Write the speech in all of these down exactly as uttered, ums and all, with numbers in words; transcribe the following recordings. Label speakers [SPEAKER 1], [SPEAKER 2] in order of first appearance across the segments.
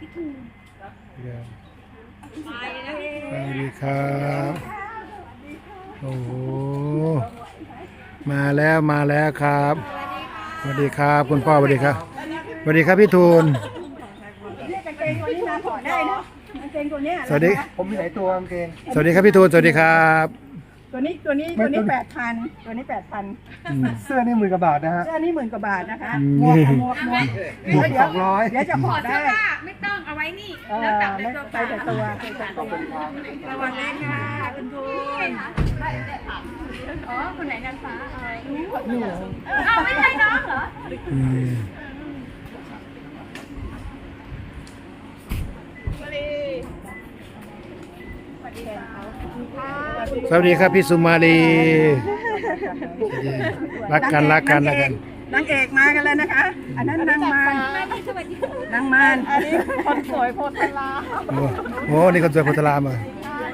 [SPEAKER 1] สวัสดีครับโอ้โหมาแล้วมาแล้วครับสวัสดีครับคุณพ่อสวัสดีครับสวัสดีครับพี่ทูลสวัสดี
[SPEAKER 2] ผมมีหลายตัวกางเกง
[SPEAKER 1] สวัสดีครับพี่ทูลสวัสดีครับ
[SPEAKER 3] ตัวนี้ตัวนี้ตัวนี้แปดพันตัวนี้แปดพัน
[SPEAKER 2] เสื้อนี่หมื่นกว่าบาทนะฮะ
[SPEAKER 3] เสื้อนี่หมื่นกว่าบาทนะคะหมวกหมวกหมวก
[SPEAKER 2] หมวกสองร้อย
[SPEAKER 3] เดี๋ยวจะห่อได้
[SPEAKER 4] ไม่ต้องเอาไว้นี่
[SPEAKER 3] แล้วจับในตัวไปแต่ตัวระวังเล่นค่ะคุณทูน
[SPEAKER 4] อ๋อคนไหนนางฟ้าเอาไม่ใช่น้องเหรอ
[SPEAKER 1] สวัสดีครับพี่สุมาลีรักกันรักกันรักกัน
[SPEAKER 3] นางเอกมากันเลยนะคะอันนั้นนางมารนางมารอันนี้คนสวยโพธารา
[SPEAKER 1] โอ้โหนี่คนสวยโพธารามา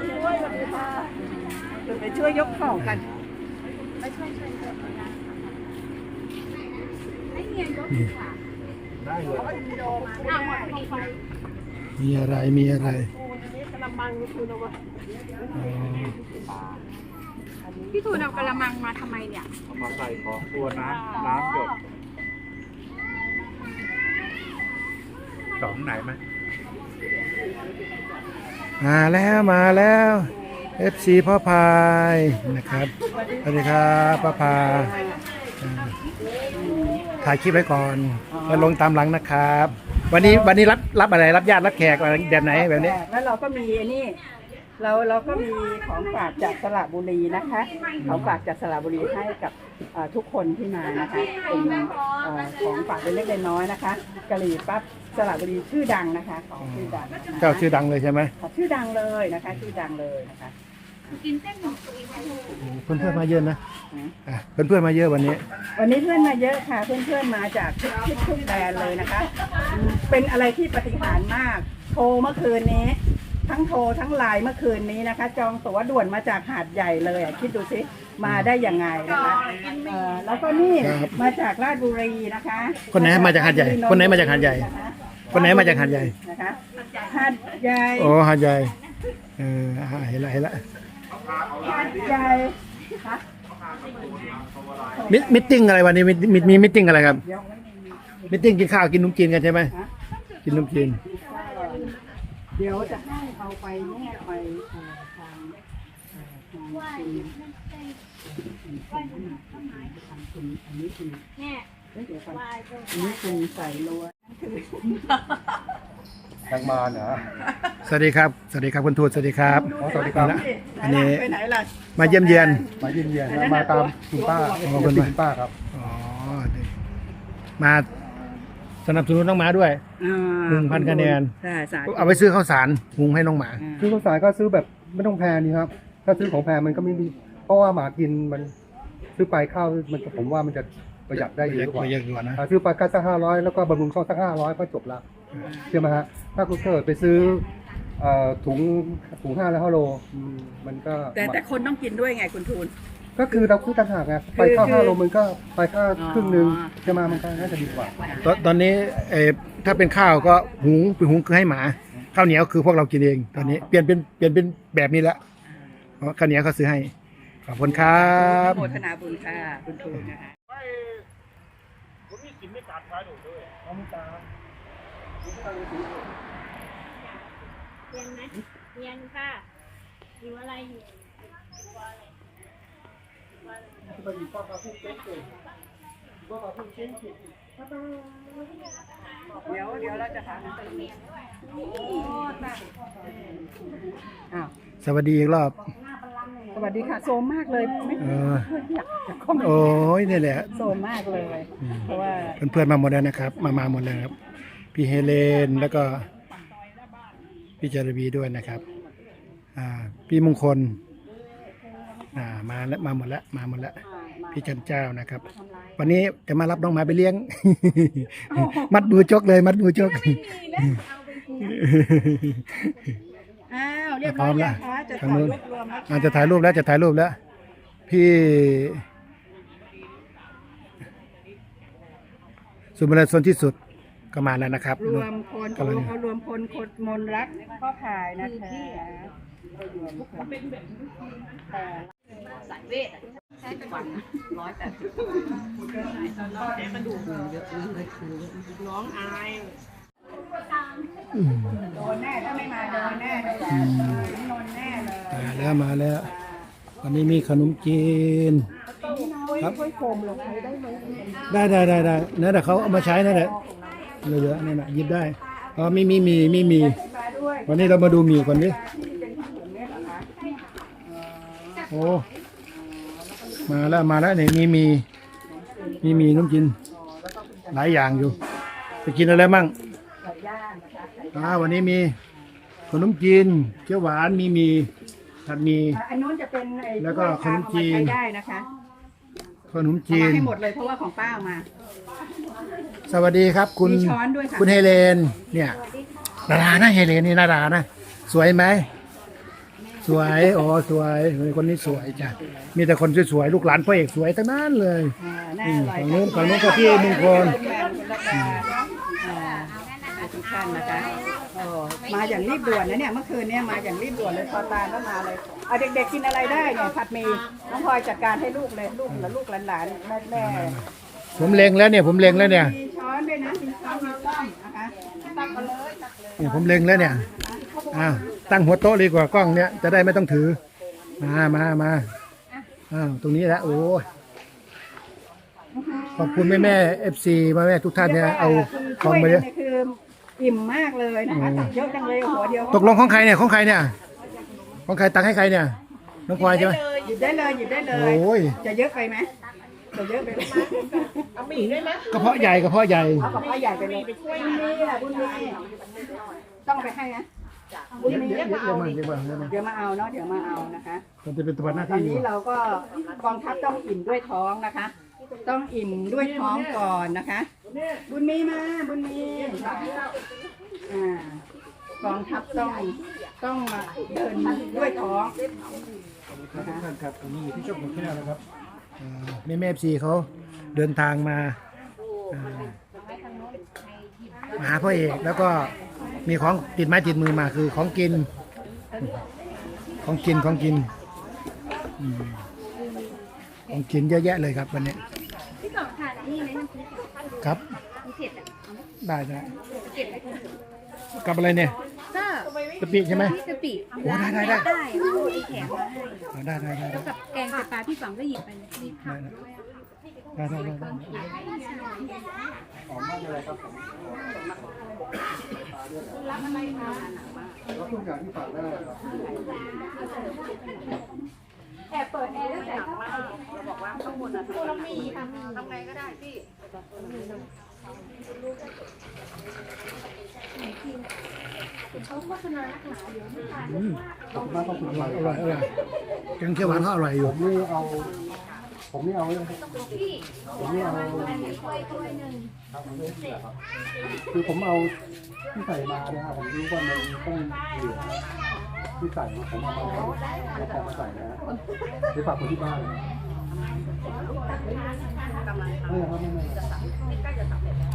[SPEAKER 3] ไปช่วยยกของกัน
[SPEAKER 4] ไปช่วยช่วยให้เงียบยกได้เลย
[SPEAKER 1] มีอะไรมีอะไร
[SPEAKER 4] พี่ทูนเอากระมังมาทำไมเนี่ย
[SPEAKER 2] เอามาใส่ของตัวน้ำน้ำหยดสองไหนไหม
[SPEAKER 1] มาแล้วมาแล้ว เอฟ ซี พ่อพายนะครับสวัสดีครับพ่อพายถ่ายคลิปไว้ก่อนแล้วลงตามหลังนะครับวันนี้วันนี้รับรับอะไรรับญาติรับแขกอะไรแบบไหนแบบนี้
[SPEAKER 3] แล้วเราก็มีนี่เราเราก็มีของฝากจากสระบุรีนะคะของฝากจากสระบุรีให้กับทุกคนที่มานะคะเป็นของฝากเล็กๆน้อยๆนะคะกะหรี่ปั๊บสระบุรีชื่อดังนะคะของชื่อดัง
[SPEAKER 1] เจ้าชื่อดังเลยใช่ไหม
[SPEAKER 3] ชื่อดังเลยนะคะชื่อดังเลยนะคะ
[SPEAKER 4] กินเส้นหมู
[SPEAKER 1] เพื่อนเพื่อนมาเยอะนะเพื่อนเพื่อนมาเยอะวันนี้
[SPEAKER 3] วันนี้เพื่อนมาเยอะค่ะเพื่อนเพื่อนมาจากทุกทุกทุกแดนเลยนะคะเป็นอะไรที่ปาฏิหาริย์มากโทรเมื่อคืนนี้ทั้งโทรทั้งไลน์เมื่อคืนนี้นะคะจองตั๋วด่วนมาจากหาดใหญ่เลยอ่ะคิดดูสิมาได้ยังไงนะคะแล้วก็นี่มาจากราชบุรีนะคะ
[SPEAKER 1] คนไหนมาจากหาดใหญ่คนไหนมาจากหาดใหญ่คนไหนมาจากหาดใหญ่
[SPEAKER 3] นะคะหาดใหญ่
[SPEAKER 1] โอ้หาดใหญ่เออเห็นละเห็นละ
[SPEAKER 3] หาดใหญ่
[SPEAKER 1] มิมิติ้งอะไรวันนี้มีมีมีมิติ้งอะไรครับมิติ้งกินข้าวกินนุ่มจีนกันใช่ไหมกินนุ่มจีน
[SPEAKER 3] เดี๋ยวจะให้เอาไปแม่ไปทางทางคุณอันนี้คือแม่เดี๋ยวก่อนอันนี้คุณใส่ล้วน
[SPEAKER 2] แตงมาเหรอ
[SPEAKER 1] สวัสดีครับสวัสดีครับคุณทูตสวัสดีครับ
[SPEAKER 2] สวัสดีครับ
[SPEAKER 1] อันนี้มาเยี่ยมเยียน
[SPEAKER 2] มาเยี่ยมเยียนมาตามคุณป้าคุณป้าครับ
[SPEAKER 1] อ๋อมาสนับสนุนน้องหมาด้วยหนึ่งพันคะแนนเอาไปซื้อข้าวสารหุงให้น้องหมา
[SPEAKER 2] ซื้อข้าวสารก็ซื้อแบบไม่ต้องแพงนี่ครับถ้าซื้อของแพงมันก็ไม่มีเพราะว่าหมากินมันซื้อไปข้าวมันผมว่ามันจะประหยัดได้เยอะกว่าซื้อไปก็สักห้าร้อยแล้วก็บำรุงช่องสักห้าร้อยก็จบละใช่ไหมฮะถ้าคุณเกิดไปซื้อถุงถุงห้าแล้วห้าโลมันก็
[SPEAKER 3] แต่แต่คนต้องกินด้วยไงคุณทูล
[SPEAKER 2] ก็คือเราคู่ต่างหากไงไปข้าวห้าโลมันก็ไปข้าวครึ่งหนึ่งจะมามันก็น่าจะดีกว่า
[SPEAKER 1] ตอนตอนนี้เออถ้าเป็นข้าวก็หุงไปหุงคือให้หมาข้าวเหนียวคือพวกเรากินเองตอนนี้เปลี่ยนเป็นเปลี่ยนเป็นแบบนี้แล้วเพราะข้าวเหนียวเขาซื้อให้ขอบคุณครับ
[SPEAKER 3] โมทนาบุญค่ะคุณทูลนะคะ
[SPEAKER 2] ผมมีกินไม่ขาดสายหนูด้วยน้ำตา
[SPEAKER 4] เรียนไหมเรียนค่ะอยู่อะไรอยู่
[SPEAKER 3] เดี๋ยวเดี๋ยวเราจะถามอ้าว
[SPEAKER 1] สวัสดีอีกรอบ
[SPEAKER 3] สวัสดีค่ะโซมมากเลยไม่อยากจะเข้ามา
[SPEAKER 1] โอ้ยนี่แหละ
[SPEAKER 3] โซมมากเลยเพราะว่า
[SPEAKER 1] เพื่อนๆมาหมดแล้วนะครับมามาหมดแล้วครับพี่เฮเลนแล้วก็พี่จารบีด้วยนะครับอ่าพี่มงคลอ่ามาแล้วมาหมดแล้วมาหมดแล้วพี่จันเจ้านะครับวันนี้จะมารับน้องหมาไปเลี้ยงมัดมือจกเลยมัดมือจก
[SPEAKER 3] อ้าวเรียบร้อยแล้วจะถ่ายรูปรวม
[SPEAKER 1] แล้วจะถ่ายรูปแล้วจะถ่ายรูปแล้วพี่สุมาลีโซนที่สุดก็มาแล้วนะครับ
[SPEAKER 3] รวมคน
[SPEAKER 1] กำลัง
[SPEAKER 3] เขารวมคนคนมนรักก็ขายนะคะสายเวทสิบวันร้อยแปดสิบน้องอายโดนแน่ถ้าไม่มาโดนแน่เลยโดนแน่เลย
[SPEAKER 1] มาแล้วมาแล้ววันนี้มีขนมจีนครับ
[SPEAKER 3] ช่วยโคมลงไปได้ไหม
[SPEAKER 1] ได้ได้ได้ได้นั่นแหละเขาเอามาใช้นั่นแหละเหลือๆนั่นแหละหยิบได้อ๋อมีมีมีมีมี
[SPEAKER 3] มาด้วย
[SPEAKER 1] วันนี้เรามาดูหมี่ก่อนดิ
[SPEAKER 3] ที่เป็นขนมเนี่ยเหรอคะ
[SPEAKER 1] โอ้มาแล้วมาแล้วเนี่ยมีมีมีมีน้ำจีนหลายอย่างอยู่จะกินอะไรมั่ง
[SPEAKER 3] ไก่ย่างนะคะไก่
[SPEAKER 1] อ่าวันนี้มีขนมจีนเขียวหวานมีมีผัดหมี
[SPEAKER 3] อันนู้นจะเป็นไอ้
[SPEAKER 1] แล้วก็ขนมจีน
[SPEAKER 3] เอามาใช้ได้นะคะ
[SPEAKER 1] ขนม
[SPEAKER 3] เอา
[SPEAKER 1] จี
[SPEAKER 3] มาน ให้หมดเลยเพราะว่าของป้าเอามา
[SPEAKER 1] สวัสดีครับ คุณ
[SPEAKER 3] มีช้อนด้วยค่ะ
[SPEAKER 1] คุณเฮเลนเนี่ยดารานะเฮเลนนี่ดารานะสวยไหมสวยอ๋อสวยคนนี้สวยจ้ะมีแต่คนสวยๆลูกหลานพ่อเอกสวยทั้งนั้นเลย
[SPEAKER 3] อ่าน่า
[SPEAKER 1] อื
[SPEAKER 3] อ
[SPEAKER 1] ม
[SPEAKER 3] ร่อย
[SPEAKER 1] ฝั่งนู้นฝั่งนู้นก็พี่มงคล
[SPEAKER 3] อ่าทุกท่านนะคะโอ้มาอย่างรีบด่วนนะเนี่ยเมื่อคืนเนี่ยมาอย่างรีบด่วนเลยพอตาแล้วมาเลยเอาเด็กๆกินอะไรได้เนี่ยผัดหมี่น้องพลอยจัดการให้ลูกเลยลูกและลูกหลานๆแม่แม่
[SPEAKER 1] ผมเล็งแล้วเนี่ยผมเล็งแล้วเนี่ย
[SPEAKER 3] มีช้อนด้วยนะมีช้อนมีซ่อมนะคะตักมาเลยตักเลย
[SPEAKER 1] เนี่ยผมเล็งแล้วเนี่ยอ้าวตั้งหัวโต๊ะดีกว่ากล้องเนี่ยจะได้ไม่ต้องถือมามามาอ้าวตรงนี้แหละโอ้ยขอบคุณแม่แม่เอฟซีแม่แม่ทุกท่านเนี่ยเอาของมาเยอะ
[SPEAKER 3] นี่คืออิ่มมากเลยนะคะตักเยอะจังเลยหัวเดียว
[SPEAKER 1] ตกลงของใครเนี่ยของใครเนี่ยของใครตังให้ใครเนี่ยน้องพลอยใช่ไหม
[SPEAKER 3] หยิบได้เลยหยิบได้เลย
[SPEAKER 1] โอ้ย
[SPEAKER 3] จะเยอะไปไหมจะเยอะไปไหมเอาหมี่ได้ไหม
[SPEAKER 1] กระเพาะใหญ่กระเพาะใหญ่
[SPEAKER 3] เอากับพ่อใหญ่ไปเลยบุญมีอ่ะบุญมีต้องไปให้นะบุญมี
[SPEAKER 1] เดี๋ยวเดี๋ยวมาเดี๋ยวมาเดี๋ยวมา
[SPEAKER 3] เดี๋ยวมาเอาเนาะเดี๋ยวมาเอานะคะ
[SPEAKER 1] มันจะเป็นตัวหน้า
[SPEAKER 3] ตอน
[SPEAKER 1] ที่อยู่
[SPEAKER 3] นี้เราก็กองทัพต้องอิ่มด้วยท้องนะคะ ต้องอิ่มด้วยท้องก่อนนะคะ บุญมีมาบุญมีอ่ากองทัพต้องต้องมาเดินด้วยท้อง
[SPEAKER 1] ทุกท่านครับตรงนี้อยู่ที่ช่องของแก้วนะครับแม่แม่เอฟซีเขาเดินทางมาอ่ามาหาพ่อเอกแล้วก็มีของติดไม้ติดมือมาคือของกิน ของกินของกินอืมของกินเยอะแยะเลยครับวันนี้
[SPEAKER 4] พี่กล่องทานนี่ไหมน้ำพริก
[SPEAKER 1] ครับ
[SPEAKER 4] มีเผ็ดอ่ะ
[SPEAKER 1] ได้ได้
[SPEAKER 4] เก็บไว้ก่อน
[SPEAKER 1] กับอะไรเนี่ย
[SPEAKER 4] ก็
[SPEAKER 1] กะปิใช่ไหม
[SPEAKER 4] พี่กะปิ
[SPEAKER 1] โอ้ได้ได้ได้
[SPEAKER 4] ได้เอาไอ้แขกมาให้
[SPEAKER 1] อ๋อได้ได้ได้ได้
[SPEAKER 4] แล้วกับแกงไตปลาพี่ฝังก็หยิบไปเลยมีผัก
[SPEAKER 1] ได้ได้ได้ได้
[SPEAKER 2] แล้วทุกอย่างที่ฝากได้ครับ
[SPEAKER 4] แอบเปิดแอร์แล้วใส่เข้าไปบอกว่าข้างบนอ่ะเรามีค่ะมีทำไงก็ได้พี่เขาโฆษณานักหนาเดี๋ยวไม่ทาน
[SPEAKER 1] อืม
[SPEAKER 2] ขอบคุณมากขอบคุณมาก
[SPEAKER 1] อร่อยอร่อยแกงเขียวหวานเขาอร่อยอยู่
[SPEAKER 2] ผมนี่เอา ผมนี่เอาเลยครับ
[SPEAKER 4] พี่
[SPEAKER 2] ผมนี่เอา
[SPEAKER 4] ถ้วยถ้วยหนึ่ง
[SPEAKER 2] ครับผมไม่ได้ครับคือผมเอาที่ใส่มาเนี่ยครับผมรู้ว่ามันต้องเหลือที่ใส่มาผมเอามาแล้วผมมาใส่นะไปฝากคนที่บ้านเลยไม่ครับไม่ไม่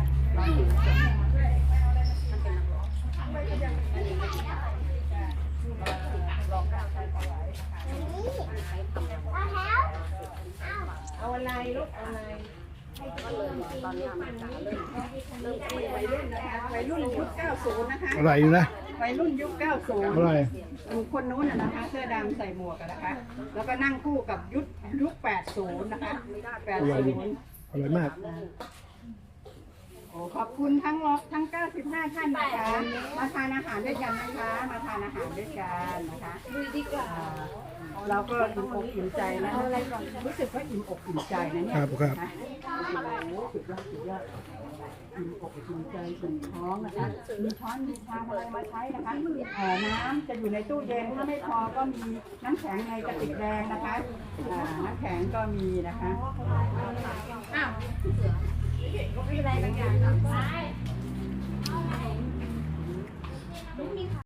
[SPEAKER 3] เอาอะไรลูกเอาอะไรตอนนี้มันจะเริ่มเริ่มวัยรุ่นนะคะวัยรุ่นยุคเก้าสิบนะคะ
[SPEAKER 1] อร่อยอยู่นะ
[SPEAKER 3] วัยรุ่นยุคเก้าสิบ
[SPEAKER 1] อร่อย
[SPEAKER 3] คนนู้นน่ะนะคะเสื้อดำใส่หมวกอะนะคะ แล้วก็นั่งคู่กับยุคยุคแปดสิบนะคะแปด
[SPEAKER 1] อร่อย
[SPEAKER 3] สิ
[SPEAKER 1] อบ ยู่อร่อยมาก
[SPEAKER 3] โอ้ขอบคุณทั้งรทั้งเก้าสิบห้าท่านนะคะมาทานอาหารด้วยกันนะคะ มาทานอาหารด้วยกันนะคะอ่าเราก็อิ่มอกอิ่มใจนะอะไรก่อนรู้สึกว่าอิ่มอกอิ่มใจนะเนี่ย
[SPEAKER 1] ครับครับ
[SPEAKER 3] นะโอ้โหสุดยอดสุดยอดอิ่มอกอิ่มใจอิ่มท้องนะคะมีช้อนมีชามอะไรมาใช้นะคะเอ่อน้ำจะอยู่ในตู้เย็นถ้าไม่พอก็มีน้ำแข็งในกระติกแดงนะคะอ่าน้ำแข็งก็มีนะคะ
[SPEAKER 4] ไม่เป็นไรบางอย่าง